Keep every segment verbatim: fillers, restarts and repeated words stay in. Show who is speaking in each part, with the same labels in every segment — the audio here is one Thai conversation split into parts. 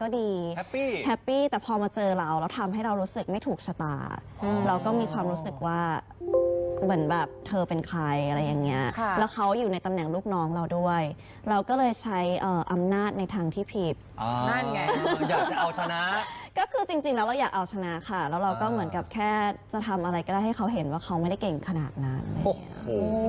Speaker 1: ก็ดี
Speaker 2: แฮปปี้
Speaker 1: แฮปปี้แต่พอมาเจอเราแล้วทำให้เรารู้สึกไม่ถูกชะตาเราก็มีความรู้สึกว่าเหมือนแบบเธอเป็นใครอะไรอย่างเงี้ยแล้วเขาอยู่ในตำแหน่งลูกน้องเราด้วยเราก็เลยใช้อำนาจในทางที่ผิด
Speaker 3: นั่นไง
Speaker 2: อยากจะเอาชนะ
Speaker 1: ก็คือจริงๆแล้วเราอยากเอาชนะค่ะแล้วเราก็เหมือนกับแค่จะทำอะไรก็ได้ให้เขาเห็นว่าเขาไม่ได้เก่งขนาดนั้นอะไรอย่างเงี้ย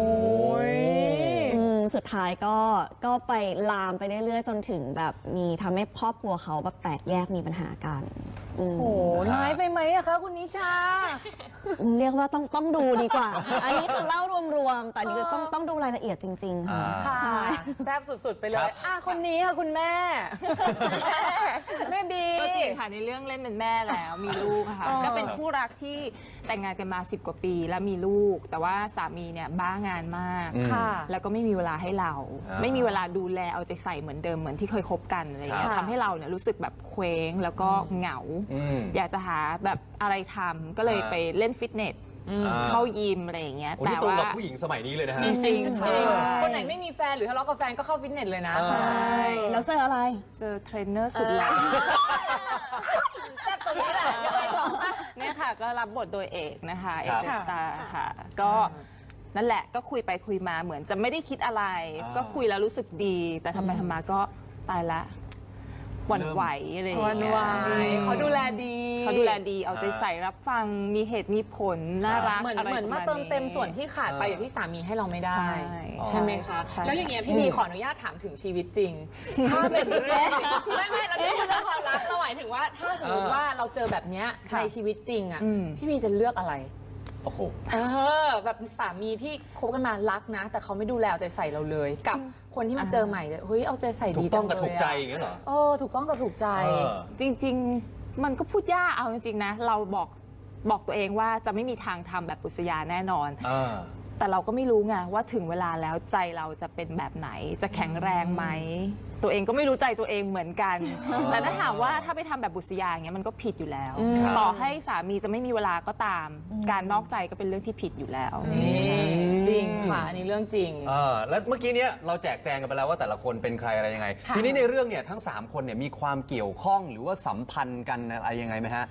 Speaker 1: สุดท้ายก็ก็ไปลามไปเรื่อยๆจนถึงแบบมีทำให้ครอบครัวเขาแบบแตกแยกมีปัญหากัน
Speaker 3: โอ้โหร้ายไปไหมอะคะคุณนิชา
Speaker 1: เรียกว่าต้องต้องดูดีกว่าอันนี้คือเล่ารวมๆแต่นี่ต้องต้องดูรายละเอียดจริงๆค่ะ
Speaker 3: ใช่แซ่บสุดๆไปเลยอ่ะคนนี้ค่ะคุณแม่แม่บี
Speaker 4: ก็จริงค่ะในเรื่องเล่นเป็นแม่แล้วมีลูกค่ะก็เป็นคู่รักที่แต่งงานกันมาสิบกว่าปีแล้วมีลูกแต่ว่าสามีเนี่ยบ้างานมากแล้วก็ไม่มีเวลาให้เราไม่มีเวลาดูแลเอาใจใส่เหมือนเดิมเหมือนที่เคยคบกันอะไรอย่างเงี้ยทำให้เราเนี่ยรู้สึกแบบเคว้งแล้วก็เหงาอยากจะหาแบบอะไรทำก็เลยไปเล่นฟิตเนสเข้ายิมอะไรอย่างเงี้ย
Speaker 2: แต่ว่าผู้หญิงสมัยนี้เลยนะฮะ
Speaker 4: จริงๆ
Speaker 3: คนไหนไม่มีแฟนหรือทะเลาะกับแฟนก็เข้าฟิตเนสเลยนะ
Speaker 1: ใช่แล้วเจออะไร
Speaker 4: เจอเทรนเนอร์สุดหล่อ
Speaker 3: แซ่บตัวนี้แหละยังไงต่อ
Speaker 4: เนี่ยค่ะก็รับบทโดยเอกนะคะเอกเดอะสตาร์ค่ะก็นั่นแหละก็คุยไปคุยมาเหมือนจะไม่ได้คิดอะไรก็คุยแล้วรู้สึกดีแต่ทำไปทำมาก็ตายละหวั่นไหวอะไรอย่างเงี้ย
Speaker 3: เขาดูแลดี
Speaker 4: เขาดูแลดีเอาใจใส่รับฟังมีเหตุมีผลน่ารัก
Speaker 3: เหมือนเหมือนมาเติมเต็มส่วนที่ขาดไปอย่างที่สามีให้เราไม่ได้ใช่ไหมคะแล้วอย่างเงี้ยพี่บีขออนุญาตถามถึงชีวิตจริงถ้าเป็นเรื่องไม่ไม่เราไม่ใช่เรื่องความรักเราหมายถึงว่าถ้าสมมติว่าเราเจอแบบเนี้ยในชีวิตจริงอ่ะพี่บีจะเลือกอะไร
Speaker 2: โอ้โห
Speaker 3: เออแบบสามีที่คบกันมารักนะแต่เขาไม่ดูแลเอาใจใส่เราเลยกับคนที่มาเจอใหม่เฮ้ยเอาใจใส่ดี
Speaker 2: จังเลยถูกต้องกับถูกใจอย่างเงี้ยเหรอ
Speaker 3: เออถูกต้องกับถูกใจ
Speaker 4: จริงๆมันก็พูดยากเอาจริงๆนะเราบอกบอกตัวเองว่าจะไม่มีทางทำแบบปุษยาแน่นอนแต่เราก็ไม่รู้ไงว่าถึงเวลาแล้วใจเราจะเป็นแบบไหนจะแข็งแรงไหมตัวเองก็ไม่รู้ใจตัวเองเหมือนกันแต่ถ้าถามว่าถ้าไปทำแบบบุษยาอย่างเงี้ยมันก็ผิดอยู่แล้วต่อให้สามีจะไม่มีเวลาก็ตามการนอกใจก็เป็นเรื่องที่ผิดอยู่แล้ว
Speaker 3: จริงค่ะอันนี้เรื่องจริง
Speaker 2: เออแล้วเมื่อกี้เนี้ยเราแจกแจงกันไปแล้วว่าแต่ละคนเป็นใครอะไรยังไงทีนี้ในเรื่องเนี่ยทั้งสามคนเนี่ยมีความเกี่ยวข้องหรือว่าสัมพันธ์กันอะไรยังไงไหมฮะ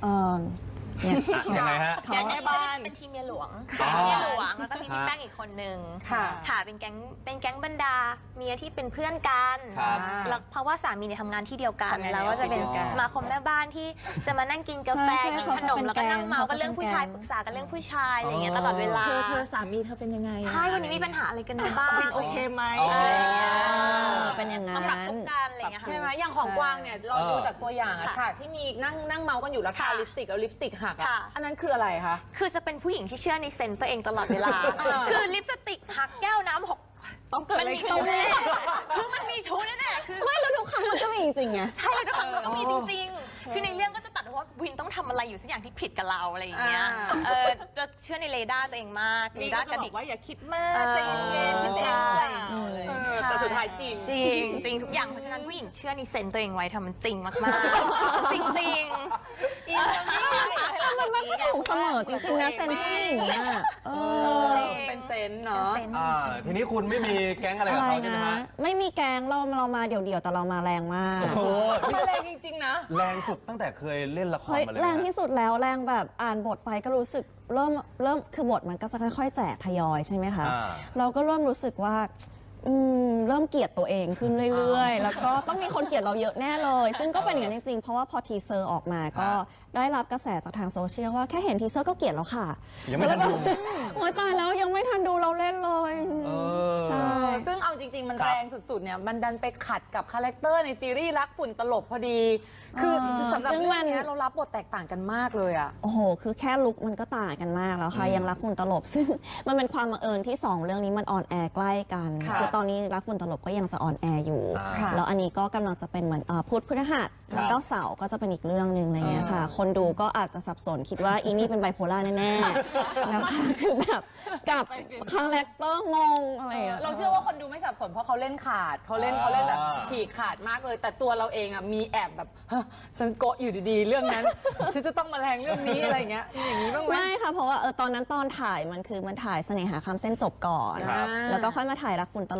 Speaker 2: ยังไงฮะ
Speaker 5: แก๊งแม่บ้านเป็นทีมเมียหลวงแก๊งเมียหลวงแล้วก็มีพี่แป้งอีกคนนึงค่ะเป็นแก๊งเป็นแก๊งบรรดาเมียที่เป็นเพื่อนกันแล้วเพราะว่าสามีเนี่ยทำงานที่เดียวกันแล้วก็จะเป็นสมาคมแม่บ้านที่จะมานั่งกินกาแฟกินขนมแล้วก็นั่งเมากันเรื่องผู้ชายปรึกษากันเรื่องผู้ชายอะไรอย่างเงี้ยตลอดเวลา
Speaker 4: เธอเธอสามีเธอเป็นยังไง
Speaker 5: ใช่วันนี้มีปัญหาอะไรกันบ้าง
Speaker 4: โอเคไหม
Speaker 1: เป็นยังไง
Speaker 5: ปรับทุกกันอะไรอย่างเงี้ย
Speaker 3: ใช่ไหมอย่างของกวางเนี่ยเราดูจากตัวอย่างอะฉากที่มีนั่งนั่งเมากันอยู่แล้วทาลิปสติกแล้วลิปสติกหักอันนั้นคืออะไรคะ
Speaker 5: คือจะเป็นผู้หญิงที่เชื่อในเซนต์ตัวเองตลอดเวลาคือลิปสติกหักแก้วน้ำหก
Speaker 4: ต้องเกิดอะไรขึ้น
Speaker 5: แน่คือมันมีชู้แน่ๆคือ
Speaker 1: ไม่แล้วทุกครั้งมันก็มีจริงไง
Speaker 5: ใช่ทุกครั้งมันก็มีจริงๆคือในเรื่องก็จะตัดว่าวินต้องทำอะไรอยู่สักอย่างที่ผิดกับเราอะไรอย่างเงี้ยเออจะเชื่อในเรดาร์ตัวเองมาก
Speaker 4: เรดาร์กระดิกว่าอย่าคิดมากใจเย็นๆคิดเอง
Speaker 3: แต่สุดท้ายจริง
Speaker 5: จริงจริงทุกอย่างเพราะฉะนั้นผู้หญิงเชื่อในเซนต์ตัวเองไว้ทำมันจริงมากๆจริงๆ
Speaker 1: มันไม่ถูกเสมอจริงๆนะเซนต์ผู้หญิงอ่ะ
Speaker 3: เป็นเซนต์เนาะ
Speaker 2: ทีนี้คุณไม่มีแก๊งอะไรกับเขาใช่ไหมฮะ
Speaker 1: ไม่มีแก๊งเราเรามาเดี่ยวๆแต่เรามาแรงมาก
Speaker 2: โอ้
Speaker 3: มาแรงจริงๆนะ
Speaker 2: แรงสุดตั้งแต่เคยเล่นละครมาเลย
Speaker 1: แรงที่สุดแล้วแรงแบบอ่านบทไปก็รู้สึกเริ่มเริ่มคือบทมันก็จะค่อยๆแจกทยอยใช่ไหมคะเราก็เริ่มรู้สึกว่าเริ่มเกลียดตัวเองขึ้นเรื่อยๆแล้วก็ต้องมีคนเกลียดเราเยอะแน่เลยซึ่งก็เป็นอย่างนั้นจริงๆเพราะว่าพอทีเซอร์ออกมาก็ได้รับกระแสจากทางโซเชียลว่าแค่เห็นทีเซอร์ก็เกลียดแล้วค่ะ
Speaker 2: ยังไม่ทันดู
Speaker 1: โอ๊ยตายแล้วยังไม่ทันดูเราเล่นเลย
Speaker 3: ใช่ซึ่งเอาจริงๆมันแรงสุดๆเนี่ยมันดันไปขัดกับคาแรคเตอร์ในซีรีส์รักฝุ่นตลบพอดีคือสำหรับเรื่องนี้เรารับบทแตกต่างกันมากเลยอ่ะ
Speaker 1: โอ้โหคือแค่ลุคมันก็ต่างกันมากแล้วค่ะยังรักฝุ่นตลบซึ่งมันเป็นความบังเอิญที่สองเรื่องนี้มันออนแอร์ใกล้กันคือตอนนี้รักฝุ่นตลบก็ยังจะออนแอร์อยู่แล้วอันนี้ก็กำลังจะเป็นเหมือนพุธพฤหัสแล้วก็เสาร์ก็จะเป็นอีกเรื่องหนึ่งอะไรเงี้ยค่ะคนดูก็อาจจะสับสนคิดว่าอีนี่เป็นไบโพล่าแน่ๆนะคะคือแบบกับคาแรคเตอร์งงอะไร
Speaker 3: เราเชื่อว่าคนดูไม่สับสนเพราะเขาเล่นขาดเขาเล่นเขาเล่นแบบฉีกขาดมากเลยแต่ตัวเราเองอ่ะมีแอบแบบฉันโกะอยู่ดีๆเรื่องนั้นฉันจะต้องมาแรงเรื่องนี้อะไรเงี้ยอย่างนี้บ้างไหม
Speaker 1: ไม่ค่ะเพราะว่าเออตอนนั้นตอนถ่ายมันคือมันถ่ายเสน่หาคำเส้นจบก่อนแล้วก็ค่อยมาถ่ายรักฝุ่นตลบ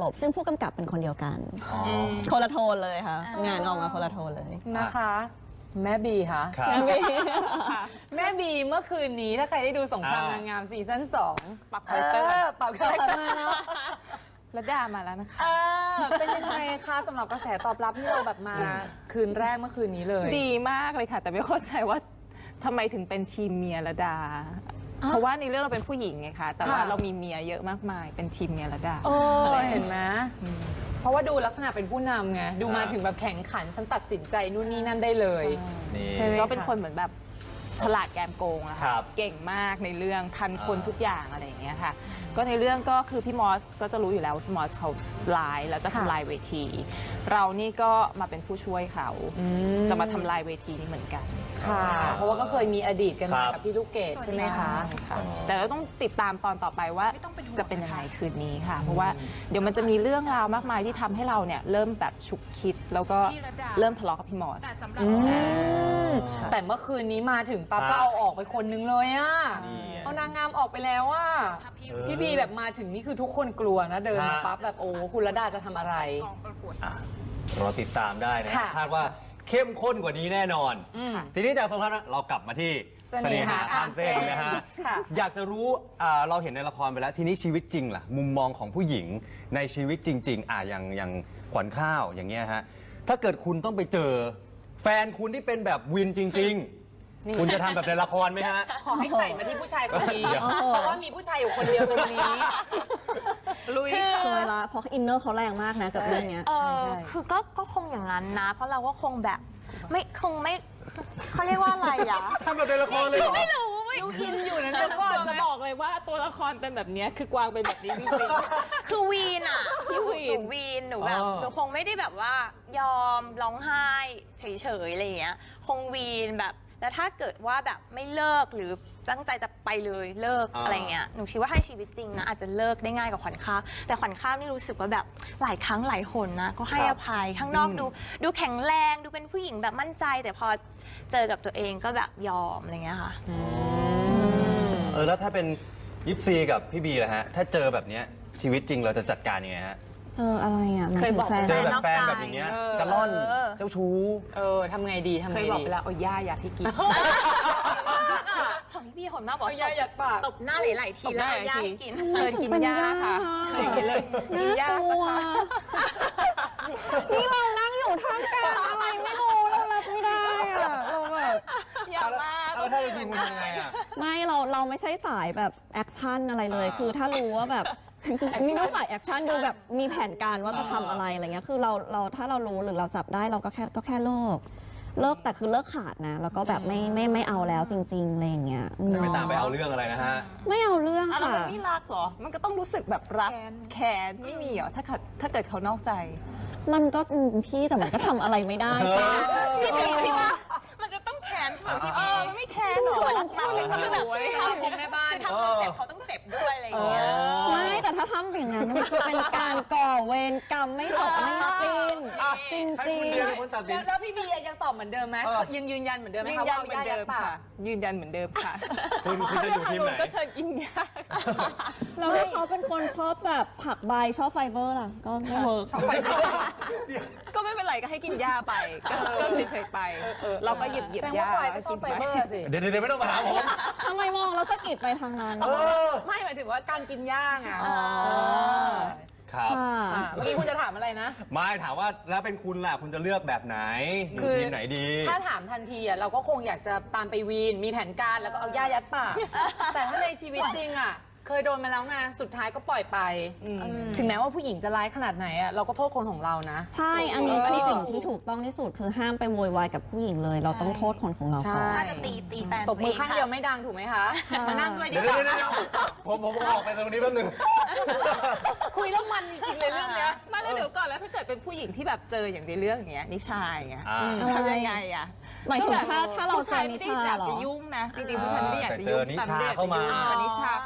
Speaker 1: บซึ่งผู้กำกับเป็นคนเดียวกันคนละโทนเลยค่ะงานออกมาคนละโทนเลย
Speaker 3: นะคะ แม่บีคะ
Speaker 2: ครับ
Speaker 3: แม่บีเมื่อคืนนี้ถ้าใครได้ดูสงครามนางงามซีซั่นสอง
Speaker 4: ปรับคาแรคเตอร์
Speaker 3: ปรับคาแรคเตอร์
Speaker 4: ระดามาแล้วนะคะ
Speaker 3: เออเป็นยังไงคะสำหรับกระแสตอบรับที่เราแบบมาคืนแรกเมื่อคืนนี้เลย
Speaker 4: ดีมากเลยค่ะ แต่ไม่เข้าใจว่าทำไมถึงเป็นทีมเมียระดา เพราะว่าในเรื่องเราเป็นผู้หญิงไงคะแต่ว่า
Speaker 3: ค่ะ
Speaker 4: เรามีเมียเยอะมากมายเป็นทีมเมียระดา
Speaker 3: เออเห็นไหมเพราะว่าดูลักษณะเป็นผู้นำไงดูมาถึงแบบแข่งขันฉันตัดสินใจนู่นนี่นั่นได้เลย
Speaker 2: นี่
Speaker 3: ใช่ไหม
Speaker 4: ก็เป็นคนเหมือนแบบฉลาดแกมโกงอะ
Speaker 2: ครั
Speaker 4: ค่ะ
Speaker 2: บ
Speaker 4: เก่งมากในเรื่องทันคน
Speaker 2: อ่า
Speaker 4: ทุกอย่างอะไรอย่างเงี้ยค่ะ ก็ในเรื่องก็คือพี่มอสก็จะรู้อยู่แล้วว่าพี่มอสเขาลายแล้วจะทำลายเวที เรานี่ก็มาเป็นผู้ช่วยเขาจะมาทำลายเวทีนี้เหมือนกัน
Speaker 3: ค่ะ เพราะว่าก็เคยมีอดีตกันมา
Speaker 2: ครับ
Speaker 3: กับพี่ลูกเกดใช่ไหมคะ
Speaker 4: ค่ะแต่เราต้องติดตามตอนต่อไปว่าจะเป็นยังไงคืนนี้ค่ะ เพราะว่าเดี๋ยวมันจะมีเรื่องราวมากมายที่ทำให้เราเนี่ยเริ่มแบบฉุกคิดแล้วก็เริ่มทะเลาะกับพี่มอส
Speaker 3: อืมแต่เมื่อคืนนี้มาถึงปั๊บก็เอาออกไปคนนึงเลยอะ
Speaker 2: นี่ไง
Speaker 3: เอานางงามออกไปแล้วอะพี่บีแบบมาถึงนี่คือทุกคนกลัวนะเดินมาปั๊บแบบโอ้คุณระดาจะทำอะไร
Speaker 2: อ่ะรอติดตามได้นะ
Speaker 3: ค่ะ
Speaker 2: คาดว่าเข้มข้นกว่านี้แน่นอน ทีนี้จากสงครามเรากลับมาที่
Speaker 3: เสน่หาข้ามเส้น
Speaker 2: นะฮะ
Speaker 3: ค่ะ
Speaker 2: อยากจะรู้อ่าเราเห็นในละครไปแล้ว ทีนี้ชีวิตจริงล่ะ มุมมองของผู้หญิงในชีวิตจริง ๆ อ่ะอย่างอย่างขวัญข้าวอย่างเงี้ยฮะ ถ้าเกิดคุณต้องไปเจอ แฟนคุณที่เป็นแบบวินจริง ๆ คุณจะทำแบบในละครไหมฮะ
Speaker 3: ขอให้ใส่มาที่ผู้ชายคนนี้
Speaker 2: เดี๋ยว
Speaker 3: เพราะว่ามีผู้ชายอยู่คนเดียวตรงนี้
Speaker 4: ลุย
Speaker 1: สวยละเพราะอินเนอร์เขาแรงมากนะกับเรื่องเนี้ย
Speaker 5: เออ
Speaker 3: ใช่
Speaker 5: คือก็ก็คงอย่างนั้นนะ เพราะเราก็คงแบบไม่คงไม่เขาเรียกว่าอะไรอ่ะ
Speaker 2: ทำแบบในละครเลยเหรอ
Speaker 5: ไม่รู้ไม่
Speaker 4: ดูอินอยู่นะแต่ก่อนจะบอกเลยว่าตัวละครเป็นแบบเนี้ยคือกวางเป็นแบบนี้จริง
Speaker 5: คือวีนอ่ะ
Speaker 4: พี่วีน
Speaker 5: หนูวีนหนูแบบ
Speaker 2: อ๋อ
Speaker 5: หนูคงไม่ได้แบบว่ายอมร้องไห้เฉยๆอะไรอย่างเงี้ยคงวีนแบบแล้วถ้าเกิดว่าแบบไม่เลิกหรือตั้งใจจะไปเลยเลิก
Speaker 2: อ่า
Speaker 5: อะไรเงี้ยหนูคิดว่าให้ชีวิตจริงนะอาจจะเลิกได้ง่ายกว่าขวัญข้าวแต่ขวัญข้าวนี่รู้สึกว่าแบบหลายครั้งหลายหนนะก็ให้อภัยข้างนอกดูดูแข็งแรงดูเป็นผู้หญิงแบบมั่นใจ แต่พอเจอกับตัวเองก็แบบยอมอะไรเงี้ยค่ะ
Speaker 2: เออแล้วถ้าเป็นยิปซีกับพี่บีล่ะฮะ ถ้าเจอแบบเนี้ยชีวิตจริงเราจะจัดการยังไงฮะ
Speaker 1: เจออะไรอ่ะหมาย
Speaker 5: เคย
Speaker 1: ถึง
Speaker 5: บอก
Speaker 1: แฟน
Speaker 2: เจอแบบ
Speaker 5: นอก
Speaker 2: แฟน
Speaker 5: ใจ
Speaker 2: แบบอย่างเงี้ย
Speaker 3: เออ
Speaker 2: กระล่อน
Speaker 5: เออ
Speaker 2: เจ้าชู้
Speaker 3: เออทำไงดี
Speaker 4: ๆ
Speaker 3: ทำ
Speaker 4: เค
Speaker 3: ไง
Speaker 4: ยบอก
Speaker 3: ดี
Speaker 4: ไปแล้วเอาย่าอยากให้กิน
Speaker 5: ของพี่พี่หนมากบอก
Speaker 3: เอายาหยัดปาก
Speaker 5: ตบหน้าหลายๆที
Speaker 4: ตบห
Speaker 5: แล้ว
Speaker 4: น้า
Speaker 5: เอา
Speaker 4: หลาย
Speaker 5: ยา
Speaker 4: ที
Speaker 5: ให้กิน
Speaker 4: เชิญกินย่าค่ะอย่างนี้เลยกินย่าสักพัก
Speaker 1: นี่เรานั่งอยู่ท่ามกลางอะไรไม่รู้เรารับไม่ได้อ่ะเราแบบ
Speaker 4: อย่ามา
Speaker 2: เอาแล้วถ้าเป็นคุณคุณทำยังไงอ่ะ
Speaker 1: ไม่เราเราไม่ใช่สายแบบแอคชั่นอะไรเลย
Speaker 2: อ่า
Speaker 1: คือถ้ารู้ว่าแบบนี่ดูสายแอคชั่นดูแบบมีแผนการว่าจะทำอะไรอะไรเงี้ยคือเราเราถ้าเรารู้หรือเราจับได้เราก็แค่ก็แค่เลิกเลิกแต่คือเลิกขาดนะ แล้วก็แบบไม่ไม่ไม่เอาแล้วจริงๆอะไรอย่างเงี้ยอืม
Speaker 2: ไม่ตามไปเอาเรื่องอะไรนะฮะ
Speaker 1: ไม่เอาเรื่อง
Speaker 4: อ่ะแล้ว
Speaker 1: ค่ะ
Speaker 4: มันไม่รักเหรอ มันก็ต้องรู้สึกแบบรักแค้นไม่มีเหรอถ้าเกิดถ้าเกิดเขานอกใจ
Speaker 1: มันก็อืมพี่แต่มันก็ทำอะไรไม่ได้ค่ะ
Speaker 5: พี่บีพี่ว่า
Speaker 4: มันจะต้องแค้นค่ะ
Speaker 2: พี่
Speaker 4: เออมันไม่แค้นหรอ
Speaker 5: ส่วนรักมากเลยคือแบบ
Speaker 3: ทำเป็นแม่บ้าน
Speaker 5: คือทำเราเจ็บเขาต้องเจ็บด้วยอะไรอย่างเงี้ย
Speaker 1: ไม่แต่ถ้าทำอย่างนั้นมันจะเป็นการก่อเวรกรรมไม่จบไม่สิ้น
Speaker 2: อ่ะ
Speaker 1: จริง
Speaker 2: ให้
Speaker 1: จริ
Speaker 2: คุณ
Speaker 1: ง
Speaker 2: เดียเป็นคนตัดสิ
Speaker 3: แล้
Speaker 2: น
Speaker 3: วแล้วพี่บียังตอบเหมือนเดิมไหม
Speaker 2: เออ
Speaker 3: ยังยืนยันเหมือนเดิมไหม
Speaker 4: ยืน
Speaker 3: คะ
Speaker 4: ยั
Speaker 3: ว่าน
Speaker 4: เหมือนเดิม
Speaker 3: ปา
Speaker 4: ค่ะ ยืนยันเหมือนเดิมค่ะ
Speaker 2: คุณคุณจะอยู่ทีมไหน
Speaker 4: ก็เชิญกินยา
Speaker 1: แล้วถ้าเขาเป็นคนชอบแบบผักใบชอบไฟเบอร์ล่ะก็ไม่เวิร์ก
Speaker 4: ก็ไม่เป็นไรก็ให้กินยาไป ก็ก็เฉยๆไป เราก็หยิบหยิบ
Speaker 3: แสดง
Speaker 4: ยา
Speaker 3: ว่าปอยก็ชอบไฟเบอร์สิ
Speaker 2: เดี๋ยวเดี๋ยวไม่ต้องมาหาผม
Speaker 1: ทำไมมองแล้วสะกิดไปทางนั้น
Speaker 2: เออ
Speaker 3: ไม่หมายถึงว่าการกินย่างอ่ะ
Speaker 1: อ๋อ
Speaker 2: ครับ
Speaker 1: ค่ะ
Speaker 3: อ่ะเมื่อกี้คุณจะถามอะไรนะ
Speaker 2: ไม่ถามว่าแล้วเป็นคุณล่ะ คุณจะเลือกแบบไหนอยู่
Speaker 3: คือ
Speaker 2: ทีมไหนดี
Speaker 3: ถ้าถามทันทีอ่ะเราก็คงอยากจะตามไปวีน มีแผนการแล้วก็เอาย่ายัดปาก แต่ถ้าในชีวิตจริงอ่ะ เคยโดนมาแล้วไงสุดท้ายก็ปล่อยไป ถึงแม้ว่าผู้หญิงจะร้ายขนาดไหนอ่ะเราก็โทษคนของเรานะ
Speaker 1: ใช่ อันนี้คือสิ่งที่ถูกต้องที่สุดคือห้ามไปโวยวายกับผู้หญิงเลย เราต้องโทษคนของเราก่อน
Speaker 3: ใช่
Speaker 5: ถ้าจะตีตีแฟน
Speaker 3: ตบมือข้างเดียว
Speaker 5: ไม่
Speaker 3: ไม่ดังถูกไหมคะ มานั่งด้วยดี
Speaker 2: เดี๋ยว
Speaker 3: กว่า
Speaker 2: เดี๋ยวเดี๋ยวผมผมออกไปตรงนี้แป๊บนึง
Speaker 3: คุยแล้วมันจริงๆเลยเรื่องเนี้ย
Speaker 4: มาแล้วเดี๋ยวก่อนแล้วถ้าเกิดเป็นผู้หญิงที่แบบเจออย่างในเรื่องเนี้ยนิชาอย่างเงี้ย
Speaker 2: อ่า
Speaker 4: ทำยังไงอ่ะ
Speaker 1: หมายถึงถ้าถ้าเรา
Speaker 4: ผู้
Speaker 1: เจ
Speaker 4: ชา
Speaker 1: อย นิ
Speaker 4: ไม่ได้
Speaker 1: ชา
Speaker 4: อยาก
Speaker 1: เหรอ
Speaker 4: จะยุ่งนะจริงๆผู้ชายไม่ได้อยากจะยุ่ง
Speaker 2: แต่เจอนิชาเข้ามา
Speaker 4: แต่นิชาเข้ามาแบบ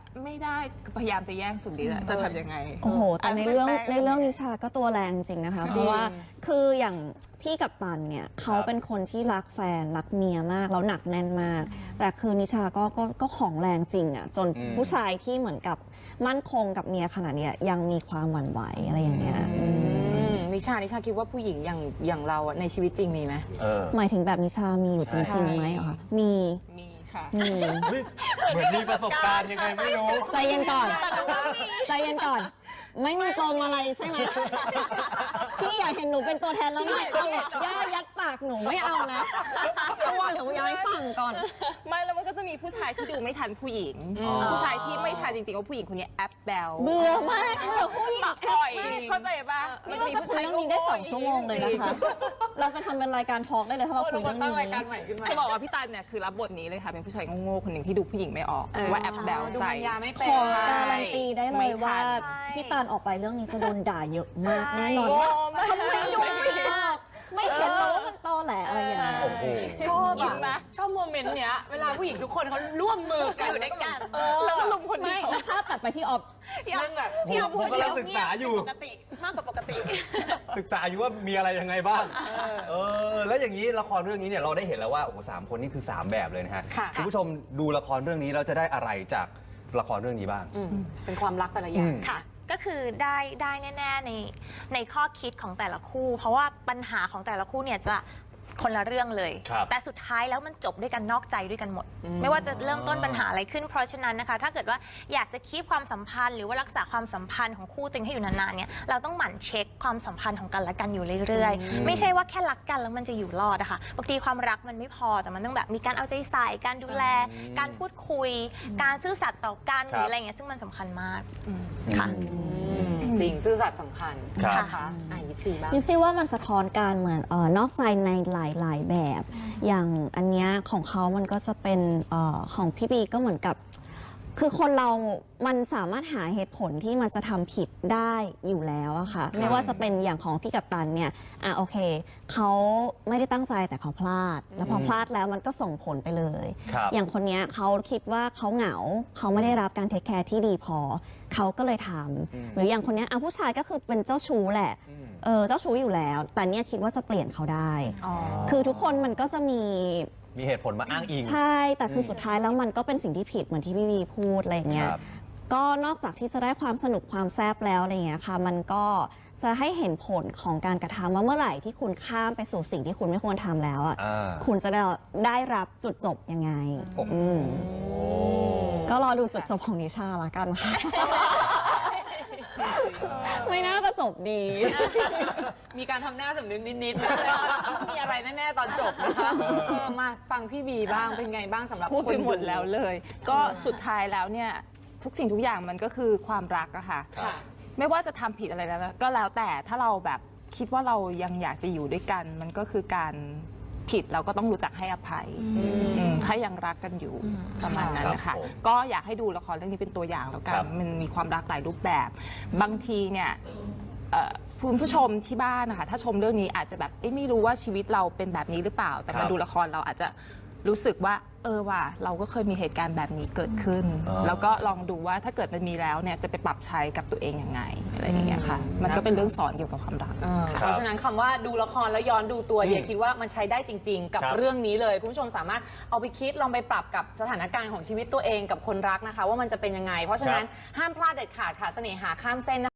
Speaker 4: ไม่ได้พยายามจะแย่งสุดฤทธิ์อะจะทำยังไง
Speaker 1: โอ้โห แต่ในเรื่องในเรื่องนิชาก็ตัวแรงจริงนะคะ เพราะว่าคืออย่างพี่กัปตันเนี่ยเขาเป็นคนที่รักแฟนรักเมียมากแล้วหนักแน่นมาก แต่คือนิชาก็ก็ก็ของแรงจริงอ่ะจนผู้ชายที่เหมือนกับมั่นคงกับเมียขนาดเนี้ยยังมีความหวั่นไหวอะไรอย่างเงี้ย
Speaker 3: นิชานิชาคิดว่าผู้หญิงอย่างอย่างเราอะในชีวิตจริงมีไหม
Speaker 1: หมายถึงแบบนิชามีอยู่จริงๆไหมเหรอคะมี
Speaker 4: มีค่ะ
Speaker 1: มี
Speaker 2: เหมือนมีประสบการณ์ยังไงไม่รู้
Speaker 1: ใจเย็นก่อนใจเย็นก่อน ไม่มีปมอะไรใช่ไหมพี่อยากเห็นหนูเป็นตัวแทนแล้วไม่เอาย่ายัดปากหนูไม่เอานะเพราะว่าเดี๋ยวย้ายฝั่งก่อน
Speaker 4: ไม่แล้วมันก็จะมีผู้ชายที่ดูไม่ทันผู้หญิง ผู้ชายที่ไม่ทันจริงๆว่าผู้หญิงคนนี้แอปแบล
Speaker 1: เบื่อมากเบื่อผู้หญิง
Speaker 4: ปล่อยเข้าใจปะ
Speaker 1: นี่เราจะคุยเรื่องนี้ได้สองชั่วโมงเลยนะคะ เราจะทำเป็นรายการทอล์กได้เลยถ้าเราคุยเรื่อง
Speaker 3: ตั้
Speaker 1: นี้
Speaker 3: งรายการใหม่ขึ้นมา
Speaker 4: จะบอกว่าพี่ตันเนี่ยคือรับบทนี้เลยค่ะเป็นผู้ชายโง่ๆคนหนึ่งที่ดูผู้หญิงไม่ออกว่าแอปแบล
Speaker 3: ดู
Speaker 4: ใส่
Speaker 3: ปัญญาไม่เป็
Speaker 1: ข
Speaker 3: น
Speaker 1: อการันตีได้เลยว่า
Speaker 5: ใช่
Speaker 1: พี่ตาลออกไปเรื่องนี้จะโดนด่าเยอะมากแน่นอน
Speaker 4: โง่มาก
Speaker 1: ทำไมดูไม่ออกไม่เห็นเหรอว่ามันตอแหลอะไรอย่างเงี้ย
Speaker 2: โอ้โห
Speaker 3: ชอบ
Speaker 4: ยิ้ม
Speaker 3: อะ
Speaker 4: นะ
Speaker 3: ชอบโมเมนต์เนี้ยเวลาผู้หญิงทุกคนเขาร่วมมือกัน
Speaker 5: อยู่ด้วยกัน
Speaker 3: เออ
Speaker 4: แล้วก็ลุมคน
Speaker 1: ไม่
Speaker 4: เดียว
Speaker 1: แล้วภาพตัดไปที่ออฟ
Speaker 3: เรื่องแบบ
Speaker 5: พี่เอา
Speaker 2: ผม
Speaker 5: พูด
Speaker 2: กำลังศึกษาอยู่
Speaker 5: ปกติมากกว่าปกติ
Speaker 2: ศึกษาอยู่ว่ามีอะไรยังไงบ้าง เออ แล้วอย่างนี้ละครเรื่องนี้เนี่ยเราได้เห็นแล้วว่าโอ้โหสามคนนี่คือสามแบบเลยนะฮะ
Speaker 3: ค่ะ
Speaker 2: คุณผู้ชมดูละครเรื่องนี้เราจะได้อะไรจากละครเรื่องนี้บ้าง
Speaker 3: อืมเป็นความรักแต่ละอย่าง
Speaker 2: อืม
Speaker 5: ค่ะ ก็คือได้ได้แน่ๆในในข้อคิดของแต่ละคู่ เพราะว่าปัญหาของแต่ละคู่เนี่ยจะคนละเรื่องเลย
Speaker 2: ครับ
Speaker 5: แต่สุดท้ายแล้วมันจบด้วยกันนอกใจด้วยกันหมด ไม่ว่าจะเริ่มต้นปัญหาอะไรขึ้น เพราะฉะนั้นนะคะ ถ้าเกิดว่าอยากจะคีปความสัมพันธ์หรือว่ารักษาความสัมพันธ์ของคู่ตัวเองให้อยู่นานๆเนี่ยเราต้องหมั่นเช็คความสัมพันธ์ของกันและกันอยู่เรื่อยๆ ไม่ใช่ว่าแค่รักกันแล้วมันจะอยู่รอดนะคะบางทีความรักมันไม่พอแต่มันต้องแบบมีการเอาใจใส่การดูแล การพูดคุย การซื่อสัตย์ต่อกันหรืออะไรอย่างเงี้ยซึ่งมันสำคัญมากค่ะ
Speaker 3: จริงซื่อสัตย์สำคัญ
Speaker 2: ครับ
Speaker 3: นะคะอ่ะยิปซีบ้าง
Speaker 1: ยิปซี่ว่ามันสะท้อนการเหมือนเออนอกใจในหลาย ๆ แบบ อย่างอันเนี้ยของเขามันก็จะเป็นเออของพี่บีก็เหมือนกับ คือคนเรา มันสามารถหาเหตุผลที่มันจะทำผิดได้อยู่แล้วอะค่ะ ไม่ว่าจะเป็นอย่างของพี่กัปตันเนี่ย อ่ะโอเค เขาไม่ได้ตั้งใจแต่เขาพลาด แล้วพอพลาดแล้วมันก็ส่งผลไปเลย
Speaker 2: ครับ
Speaker 1: อย่างคนเนี้ยเขาคิดว่าเขาเหงา เขาไม่ได้รับการเทคแคร์ที่ดีพอ เขาก็เลยทำหรืออย่างคนเนี้ยอ่ะผู้ชายก็คือเป็นเจ้าชู้แหละ เออ เจ้าชู้อยู่แล้ว แต่เนี่ยคิดว่าจะเปลี่ยนเขาได้ คือทุกคนมันก็จะมี
Speaker 2: มีเหตุผลมาอ้างอิง
Speaker 1: ใช่ แต่คือสุดท้ายแล้วมันก็เป็นสิ่งที่ผิดเหมือนที่พี่วีพูดอะไรอย่างเงี้ย
Speaker 2: ครับ
Speaker 1: ก็นอกจากที่จะได้ความสนุกความแซ่บแล้วอะไรอย่างเงี้ยค่ะ มันก็จะให้เห็นผลของการกระทำว่าเมื่อไหร่ที่คุณข้ามไปสู่สิ่งที่คุณไม่ควรทำแล้วอ่ะ
Speaker 2: อ่า
Speaker 1: คุณจะได้ได้รับจุดจบยังไง
Speaker 2: โอ้โห
Speaker 1: อืมก็รอดูจุดจบของนิชาละกันค่ะ ไม่น่าจะจบดี
Speaker 3: มีการทำหน้าสำนึกนิดๆนะมีอะไรแน่ๆตอนจบนะคะเออมาฟังพี่บีบ้างเป็นไงบ้างสำหรับ
Speaker 4: พูดไป
Speaker 3: คน
Speaker 4: หมดแล้วเลย ก็สุดท้ายแล้วเนี่ยทุกสิ่งทุกอย่างมันก็คือความรักอะค่ะ
Speaker 3: ค่ะ
Speaker 4: ไม่ว่าจะทำผิดอะไรแล้วก็แล้วแต่ถ้าเราแบบคิดว่าเรายังอยากจะอยู่ด้วยกัน มันก็คือการผิดเราก็ต้องรู้จักให้อภัยอืมถ้ายังรักกันอยู่ประมาณนั้นนะ
Speaker 2: ครั
Speaker 4: คะ
Speaker 2: บผม
Speaker 4: ก็อยากให้ดูละครเรื่องนี้เป็นตัวอย่างแล้วกั
Speaker 2: คน รับ
Speaker 4: มันมีความรักหลายรูปแบบ บางทีเนี่ยเอ่อคุณผู้ชมที่บ้านนะคะถ้าชมเรื่องนี้อาจจะแบบเอ๊ะไม่รู้ว่าชีวิตเราเป็นแบบนี้หรือเปล่า แต่
Speaker 2: ครั
Speaker 4: มา
Speaker 2: บ
Speaker 4: ดูละครเราอาจจะรู้สึกว่า เออว่ะเราก็เคยมีเหตุการณ์แบบนี้เกิดขึ้น
Speaker 2: อ่า
Speaker 4: แล้วก็ลองดูว่าถ้าเกิดมันมีแล้วเนี่ยจะไปปรับใช้กับตัวเองยังไงอะไรอย่างเงี้ยค่ะ มันก็เป็นเรื่องสอนเกี่ยวกับความรัก
Speaker 3: เออเพราะฉะนั้นคำว่าดูละครแล้วย้อนดูตัวเดียคิดว่ามันใช้ได้จริง ๆ กับ
Speaker 2: ครับ
Speaker 3: เรื่องนี้เลย คุณผู้ชมสามารถเอาไปคิดลองไปปรับกับสถานการณ์ของชีวิตตัวเองกับคนรักนะคะ ว่ามันจะเป็นยังไง เพราะฉะนั้นห้ามพลาดเด็ดขาดค่ะเสน่หาข้ามเส้นนะคะ